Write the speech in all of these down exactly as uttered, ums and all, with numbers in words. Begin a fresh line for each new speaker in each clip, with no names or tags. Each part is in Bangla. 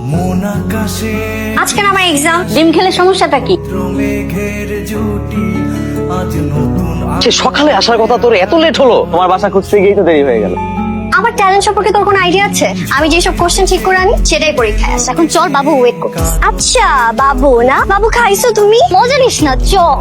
আজকে না আমার এক্সাম। ডিম খেলে সমস্যাটা কি?
সে সকালে আসার কথা, তোর এত লেট হলো? তোমার বাসা খুঁজতে গিয়েই তো দেরি হয়ে গেল।
আমার ট্যালেন্ট সম্পর্কে তোর কোনো আইডিয়া আছে? আমি যেসব কোশ্চেন ঠিক করে আনি সেটাই পরীক্ষায় আসে। এখন চল, বাবু ওয়েট করতেছে। আচ্ছা বাবু না, বাবু খাইছো তুমি? মজা নিস না, চল।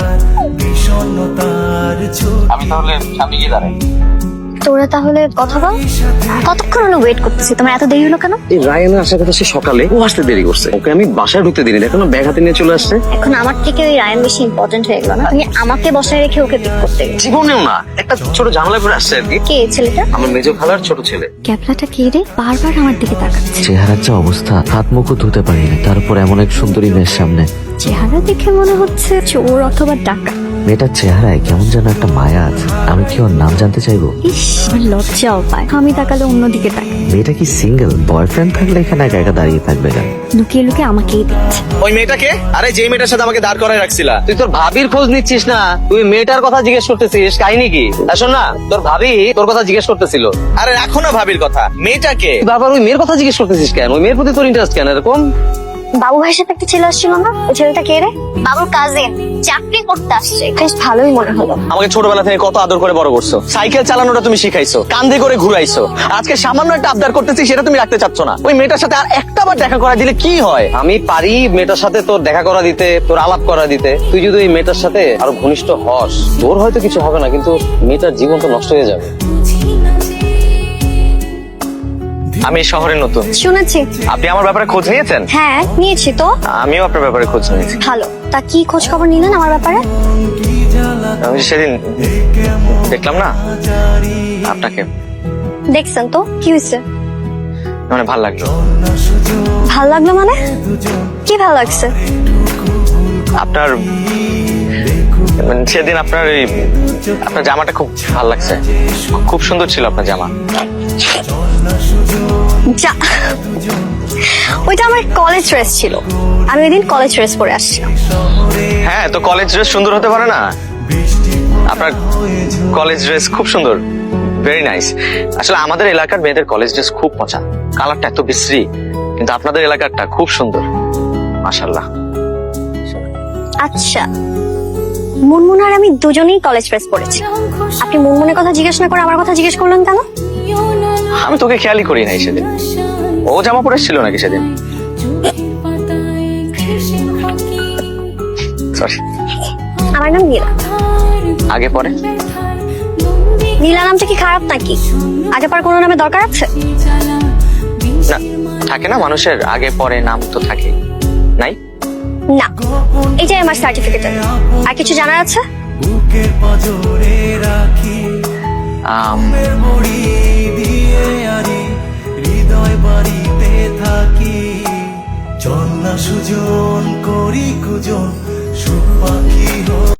আমি তাহলে সামনে গিয়ে দাঁড়াই।
তোরা তাহলে কথা বল। কতক্ষণ হলো ওয়েট করতেছি, তোমার এত দেরি হলো কেন?
এই রায়ানের আসার কথা, সে সকালে, ও আসতে দেরি করছে। ওকে আমি বাসায় ঢুকতে দিইনি, এখন ব্যাগ হাতে নিয়ে চলে আসছে।
এখন আমার থেকে ওই রায়ান বেশি ইম্পর্টেন্ট হয়ে গেল না? তুমি আমাকে বসায় রেখে ওকে পিক করতে গেলে।
জীবনেও না, একটা ছোট ঝামেলা করে আসছে আর কি।
কে ছেলেটা?
আমার মেজো খালার ছোট ছেলে।
ক্যাপলাটা কে রে? বারবার আমার দিকে তাকাচ্ছে।
চেহারার যা অবস্থা, হাত মুখও ধুতে পারিনি, তার উপর এমন এক সুন্দরী মেয়ের সামনে।
চেহারা দেখে মনে হচ্ছে চোর অথবা ডাকাত।
মেয়েটার চেহারায় কেমন যেন একটা মায়া আছে। আমি কি ওর নাম জানতে চাইবো?
ইস, আমার লজ্জাও পায়। আমি তাকালে অন্যদিকে তাকাই।
মেয়েটা কি সিঙ্গেল? বয়ফ্রেন্ড থাকলে এখানে একা একা দাঁড়িয়ে থাকবে কেন?
লুকিয়ে লুকিয়ে আমাকেই দিচ্ছে।
ওই মেয়েটাকে? আরে যে মেয়েটার সাথে আমাকে দাঁড় করায় রাখছিলা, তুই তোর ভাবির খোঁজ নিচ্ছিস না? তুই মেয়েটার কথা জিজ্ঞেস করতেছিস, কাহিনী কি? শোন না, তোর ভাবি তোর কথা জিজ্ঞেস করতেছিল।
আরে রাখো না ভাবির কথা, মেয়েটাকে।
তুই বারবার ওই মেয়ের কথা জিজ্ঞেস করতেছিস কেন? ওই মেয়ের প্রতি তোর ইন্টারেস্ট কেন এরকম?
বাবু ভাইয়ের সাথে একটা ছেলে আসছিল না? ওই ছেলেটা কে রে? বাবুর কাজিন, চাকরি করতে আসছে। বেশ ভালোই মনে হলো।
আমাকে ছোটবেলা থেকে কত আদর করে বড় করছো, সাইকেল চালানোটা তুমি শিখাইছো, কান্দে করে ঘুরাইছো। আজকে সামান্য একটা আবদার করতেছি, সেটা তুমি রাখতে চাচ্ছ না। ওই মেয়েটার সাথে আর একটা বার দেখা করা দিলে কি হয়?
আমি পারি মেয়েটার সাথে তোর দেখা করা দিতে, তোর আলাপ করা দিতে। তুই যদি ওই মেয়েটার সাথে আরো ঘনিষ্ঠ হস, তোর হয়তো কিছু হবে না, কিন্তু মেয়েটার জীবন তো নষ্ট হয়ে যাবে।
আমি এই শহরে নতুন।
শুনেছি।
আপনি আমার ব্যাপারে খোঁজ নিয়েছেন?
হ্যাঁ নিয়েছি তো।
আমিও আপনার ব্যাপারে খোঁজ নিয়েছি।
ভালো। তা কি খোঁজ খবর নিলেন আমার ব্যাপারে?
আমি সেদিন দেখলাম না আপনাকে,
দেখছেন তো, কি হয়েছে?
মানে ভাল লাগলো।
ভাল লাগলো মানে? কি ভাল লাগছে?
আপনার মানে সেদিন আপনার এই আপনার জামাটা খুব ভাল লাগছে, খুব সুন্দর ছিল আপনার জামা।
যা, ওইটা আমার কলেজ ড্রেস ছিল। আমি ওই দিন কলেজ ড্রেস পরে আসছিলাম।
হ্যাঁ, তো কলেজ ড্রেস সুন্দর হতে পারে না? আপনার কলেজ ড্রেস খুব সুন্দর, ভেরি নাইস। আসলে আমাদের এলাকার মেয়েদের কলেজ ড্রেস খুব মজা, কালারটা এত বিশ্রী, কিন্তু আপনাদের এলাকারটা খুব সুন্দর, মাশাআল্লাহ।
আচ্ছা, মুনমুন আর আমি দুজনেই কলেজ ড্রেস পরেছি। আপনি মুনমুনের কথা জিজ্ঞেস না করে আমার কথা জিজ্ঞেস করলেন কেন?
আমি তোকে খেয়ালই করি নাই সেদিন। ও জামা পরে ছিল নাকি সেদিন? সরি।
আমার নাম নীলা।
আগে পরে?
নীলা নামটা কি খারাপ নাকি? আগে পর কোনো নামে দরকার আছে?
না, থাকে না মানুষের আগে পরে নাম তো থাকে, নাই?
না, এটাই আমার সার্টিফিকেট। আর কিছু জানার আছে?
আম,
হৃদয় বাড়িতে থাকি, চল না সুজন করি কুজন, সুখ পাখি